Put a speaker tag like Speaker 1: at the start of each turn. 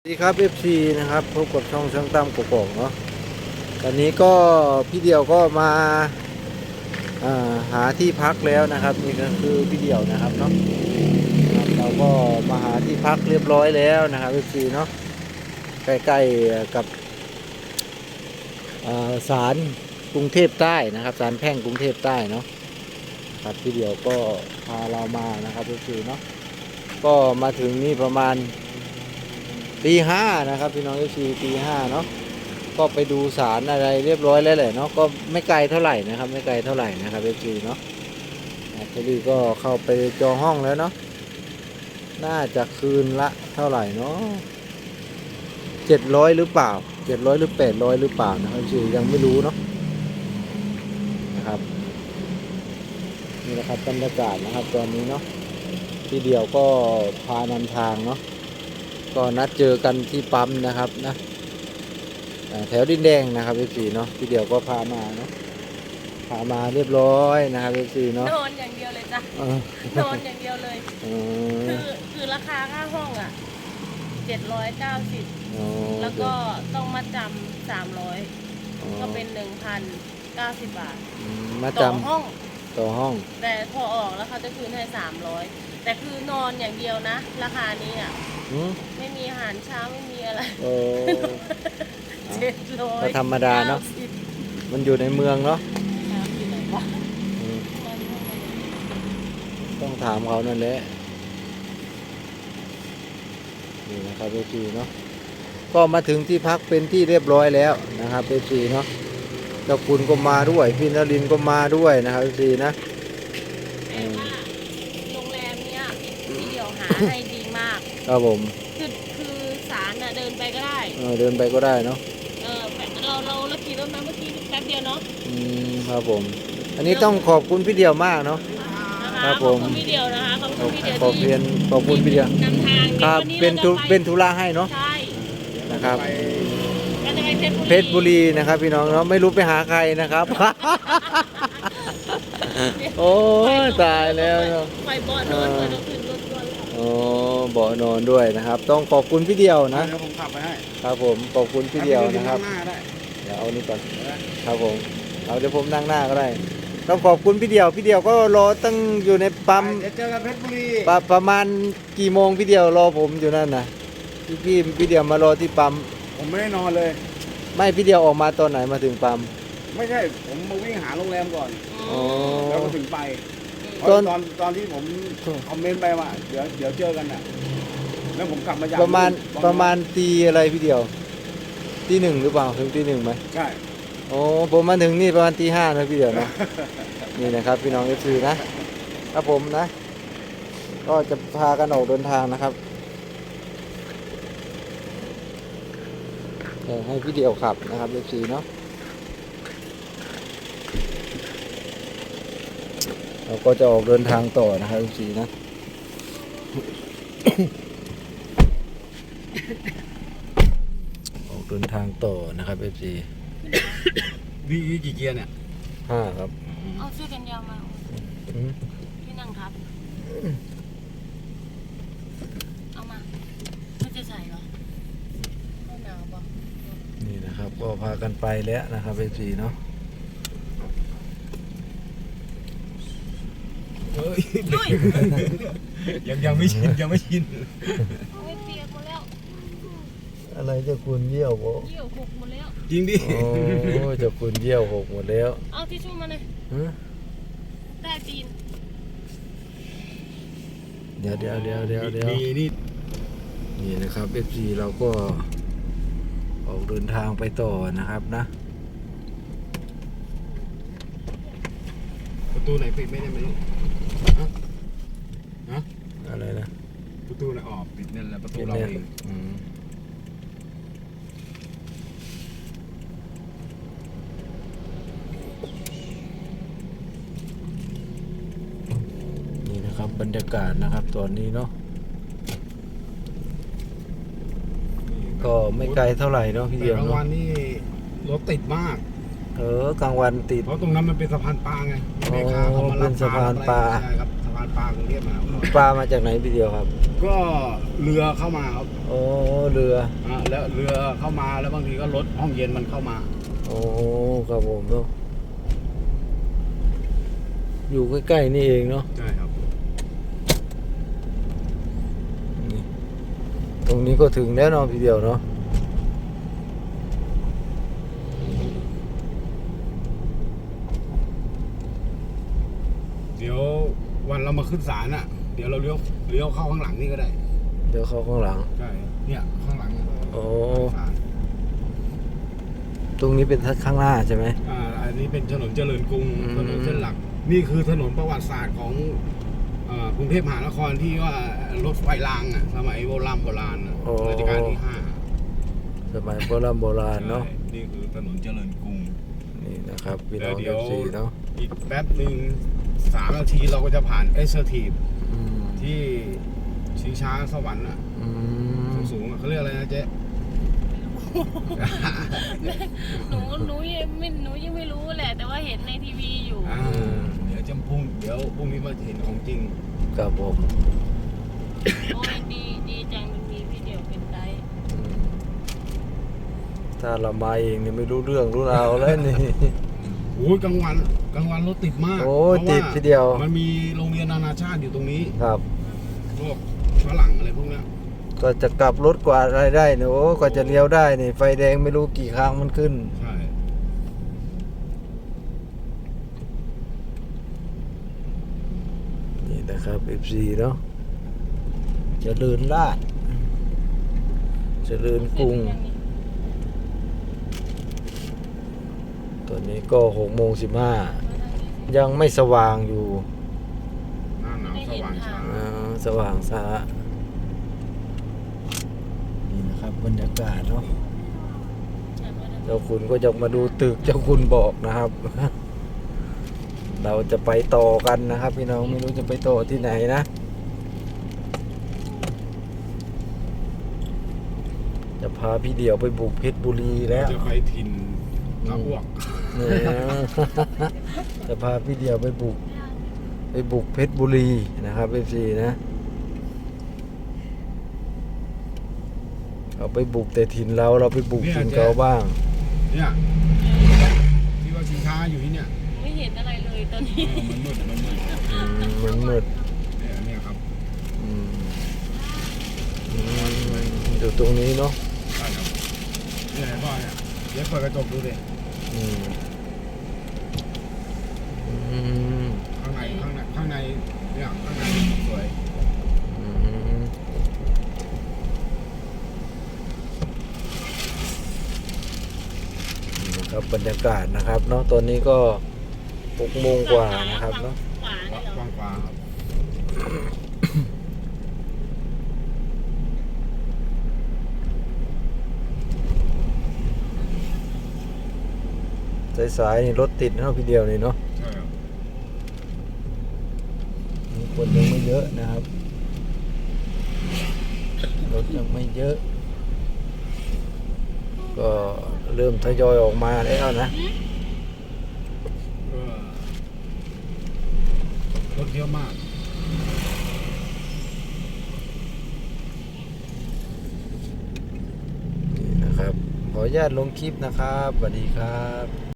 Speaker 1: สวัสดีครับ FC นะครับพบกับช่องช่างตั้มกกอกเนาะตอนนี้ก็พี่เดี่ยวก็มาหาที่พักแล้วนะครับนี่ก็คือพี่เดี่ยวนะครับเนาะครับเราก็มาหาที่พักเรียบร้อยแล้วนะครับ FC เนาะใกล้ๆกับศาลกรุงเทพใต้นะครับศาลแพ่งกรุงเทพใต้เนาะครับพี่เดี่ยวก็พาเรามานะครับ FC เนาะก็มาถึงนี่ประมาณตี 5นะครับพี่น้องตี 5เนาะก็ไปดูศาลอะไรเรียบร้อยแล้วแหละเนาะก็ไม่ไกลเท่าไหร่นะครับไม่ไกลเท่าไหร่นะครับเนาะพอดีก็เข้าไปจองห้องแล้วเนาะน่าจะคืนละเท่าไหร่เนาะ700หรือเปล่า700หรือ800หรือเปล่านะครับยังไม่รู้เนาะนะครับนี่นะครับบรรยากาศนะครับตอนนี้เนาะพี่เดียวก็พานำทางเนาะก็นัดเจอกันที่ปั๊มนะครับนะแถวดินแดงนะครับเนาะพี่เดียวก็พามาเนาะพามาเรียบร้อยนะครับเนาะ
Speaker 2: นอนอย่างเดียวเลยจ้ะนอนอย่างเดียวเลยคือราคาค่าห้องอ่ะ790แล้วก็ต้องมาจำ300ก็เป็น1,090 บาท
Speaker 1: มา
Speaker 2: ต่อ
Speaker 1: จำ
Speaker 2: ห้อง
Speaker 1: แต่
Speaker 2: พอออกแล้วเขาจะคืนให้300แต่คือนอนอย่างเดียวนะราคานี้อ่ะไม่มีอาหารเช้าไม่มีอะไร700
Speaker 1: ก็ธรรมดาเนาะมันอยู่ในเมืองเนาะต้องถามเขานั่นแหละนี่นะครับเนาะก็มาถึงที่พักเป็นที่เรียบร้อยแล้วนะครับเนาะเจ้าคุณก็มาด้วยพี่นรินทร์ก็มาด้วยนะครับนะ
Speaker 2: แต่ว่าโรงแรมเนี้ยพี่เดียวหาให้ดีมาก
Speaker 1: ครับผม
Speaker 2: คือศาลน่ะเดินไปก็ได้
Speaker 1: เดินไปก็ได้เนาะ
Speaker 2: เราขี่รถมาเมื่อกี้แป๊บเดียวเนาะ
Speaker 1: ครับผมอันนี้ต้องขอบคุณพี่เดียวมากเนาะครับผม
Speaker 2: ขอบคุณพี่เดียวนะคะขอบคุณพี่เดียว
Speaker 1: ขอบคุณพี่เดียวน
Speaker 2: ำทาง
Speaker 1: ครับเป็นธุระให้เนาะ
Speaker 2: ใช่
Speaker 1: นะครับ
Speaker 2: เพชรบุรี
Speaker 1: นะครับพี่น้องเนาะไม่รู้ไปหาใครนะครับโอ้ตายแล้วเนาะ
Speaker 2: ไปเบาะนอนเลยเราขึ้นรถด้วย
Speaker 1: โอ้เบาะนอนด้วยนะครับต้องขอบคุณพี่เดียวนะ
Speaker 3: เดี๋ยวผมขับไปให้
Speaker 1: ครับผมขอบคุณพี่เดียวนะครับ
Speaker 3: เดี๋ยว
Speaker 1: เอานี่ก่อนครับผมเอาเดี๋ยวผมนั่งหน้าก็ได้ต้องขอบคุณพี่เดียวก็รอตั้งอยู่ในปั๊ม
Speaker 3: เดี๋ยวเจอกันเพชรบุรี
Speaker 1: ประมาณกี่โมงพี่เดียวรอผมอยู่นั่นนะพี่เดียวมารอที่ปั๊ม
Speaker 3: ผมไม่ได้นอนเลย
Speaker 1: ไม่พี่เดียวออกมาตอนไหนมาถึงปั๊ม
Speaker 3: ไม่ใช่ผมมาวิ่งหาโรงแรมก่อนแล้วก็ถึงไปตอนที่ผมคอมเมนต์ไปว่าเดี๋ยวเจอกันน่ะแล้วผมกลับมาจาก
Speaker 1: ประมาณตีอะไรพี่เดียวตี 1หรือเปล่าถึงตี 1ไหม
Speaker 3: ใช่
Speaker 1: โอ้ผมมาถึงนี่ประมาณตี 5นะพี่เดียวนะ นี่นะครับพี่น้องFCนะครับผมนะก็จะพากันออกเดินทางนะครับให้พี่เดียวขับนะครับFCเนาะเราก็จะออกเดินทางต่อนะครับFCนะ ออกเดินทางต่อนะครับFC
Speaker 3: วีกี่เกียร์เนี่ย
Speaker 1: 5ครับ
Speaker 2: เอาเสื้อกันยาวมาที่นั่งครับเอามาไม่จะใส่เหรอไม่หนาวปะ
Speaker 1: นี่นะครับก็พากันไปแล้วนะครับFCเนาะ
Speaker 3: ยังไม่ชินไม่เ
Speaker 2: ปียกหมดแล้ว
Speaker 1: อะไรจะคุณเยี่ยวบ่
Speaker 2: เยี่ยวหกหมดแล้ว
Speaker 3: จริงดิ
Speaker 1: โอ้จะคุณเยี่ยวหกหมดแล้ว
Speaker 2: เอาทิชชู่มาเลยได้ตีน
Speaker 1: เดี๋ยวนี่นะครับ FC เราก็ออกเดินทางไปต่อนะครับนะ
Speaker 3: ประตูไหนปิดไม่ได้ไหมลูก
Speaker 1: อะไรนะ
Speaker 3: ประตูไหนออกปิดนั่นแหละประตูเราเอง
Speaker 1: นี่นะครับบรรยากาศนะครับตอนนี้เนาะก็ไม่ไกลเท่าไหร่เนาะพี่เดียว
Speaker 3: กลางวันนี่รถติดมาก
Speaker 1: กลางวันติด
Speaker 3: เพราะตรงนั้นมันเป็นสะพานปลาไงแม่ค้าเขามารับ
Speaker 1: เป็นสะพานปลา
Speaker 3: ใช่ครับสะพานปลากรุงเทพมหานคร
Speaker 1: ปลามาจากไหนพี่เดียวครับ
Speaker 3: ก็เรือเข้ามาครับ
Speaker 1: อ๋อเรือ
Speaker 3: แล้วเรือเข้ามาแล้วบางทีก็รถห้องเย็นมันเข้ามา
Speaker 1: โอ้ครับผมเนาะอยู่ใกล้ๆนี่เองเนาะ
Speaker 3: ใช่ครับ
Speaker 1: นี่ตรงนี้ก็ถึงแล้วเนาะพี่เดียวเนาะ
Speaker 3: เดี๋ยววันเรามาขึ้นศาลอ่ะ เดี๋ยวเราเลี้ยวเข้าข้างหลังนี่ก็ได้
Speaker 1: เดี๋ยวเข้าข้างหลัง
Speaker 3: ใช่เนี่ยข้างหลัง
Speaker 1: โอ้
Speaker 3: ศาล
Speaker 1: ตรงนี้เป็นข้างหน้าใช่ไหม
Speaker 3: อันนี้เป็นถนนเจริญกรุง
Speaker 1: อืม
Speaker 3: ถนนเส้นหลัก นี่คือถนนประวัติศาสตร์ของกรุงเทพมหานครที่ว่ารถไฟรางอ่ะสมัยโบราณอ่ะรัชกาลที่ 5
Speaker 1: สมัยโบราณเนาะ
Speaker 3: ใช่นี่คือถนนเจริญกรุง
Speaker 1: นี่นะครับพี่น้อง
Speaker 3: แล้วเดี๋ยว
Speaker 1: FC เนาะ
Speaker 3: อีกแป๊บหนึ่ง3 นาทีเราก็จะผ่านเอสเซอร์ทีฟ
Speaker 1: อืม
Speaker 3: ที่ชิงช้าสวรรค์อ่ะ
Speaker 1: อืม
Speaker 3: สูงๆอะเขาเรียกอะไรนะเจ๊
Speaker 2: หนูยังไม่รู้แหละ แต่ว่าเห็นในทีวีอยู่
Speaker 3: เดี๋ยวพรุ่งนี้มาเห็นของจริง
Speaker 1: ครับผม
Speaker 2: โอ้ยดีจังมันมีพี่เดียวเป็นไกด์
Speaker 1: อืมถ้าเรามาเองเนี่ยไม่รู้เรื่องรู้ราวแล้วนี่
Speaker 3: โอ้ยกลางวันรถติดมาก
Speaker 1: โอ้ย
Speaker 3: พราะว่า
Speaker 1: ติดทีเดียว
Speaker 3: มันมีโรงเรียนนานาชาติอยู่ตรงนี้
Speaker 1: ครับ
Speaker 3: พวกฝรั่งอะไรพวกเนี้ย
Speaker 1: ก็จะกลับรถกว่าอะไรได้เนี่ยโอ้กว่าจะเลี้ยวได้นี่ไฟแดงไม่รู้กี่ครั้งมันขึ้น
Speaker 3: ใช่
Speaker 1: นี่นะครับ FC เนาะเจริญลาดเจริญกรุงตอนนี้ก็6:15ยังไม่สว่างอยู่
Speaker 3: หน้าหนาวสว่างช้า
Speaker 1: สว่างช้านี่นะครับบรรยากาศเนาะเจ้าคุณก็จะมาดูตึกเจ้าคุณบอกนะครับ เราจะไปต่อกันนะครับพี่น้องไม่รู้จะไปต่อที่ไหนนะ จะพาพี่เดี่ยวไปบุกเพชรบุรีแล้ว
Speaker 3: จะไปถิ่นตะอ้วก
Speaker 1: เนี่ย จะพาพี่เดี่ยวไปบุกเพชรบุรีนะครับ FC นะเราไปบุกแต่ถิ่นเราไปบุกถิ่นเขาบ้าง
Speaker 3: เนี่ยที่ว่าชิงช้าอยู่ที่เนี่ย
Speaker 2: ไม่เห็นอะไรเลยตอนนี้
Speaker 3: มันมืด
Speaker 1: มันมืด
Speaker 3: เนี่ยครับ
Speaker 1: อืมอยู่ตรงนี้เนาะ
Speaker 3: ใช่ครับเนี่ยเห็นป่ะเนี่ยเดี๋ยวเปิดกระจกดูดิ
Speaker 1: อืมอืม
Speaker 3: ข้างในเนี่ยข้างในสวย
Speaker 1: อืมนี่นะครับบรรยากาศนะครับเนาะตอนนี้ก็6 โมงกว่านะครับเนาะ
Speaker 2: ขวาเนี่ยเหรอ
Speaker 3: กว้างขวางครับ
Speaker 1: สายๆนี่รถติดเนาะพี่เดียวนี่เนาะ
Speaker 3: ใช่ครับ
Speaker 1: คนยังไม่เยอะนะครับรถยังไม่เยอะ ก็เริ่มทยอยออกมาแล้วนะ
Speaker 3: รถเยอะมาก
Speaker 1: นี่นะครับขออนุญาตลงคลิปนะครับสวัสดีครับ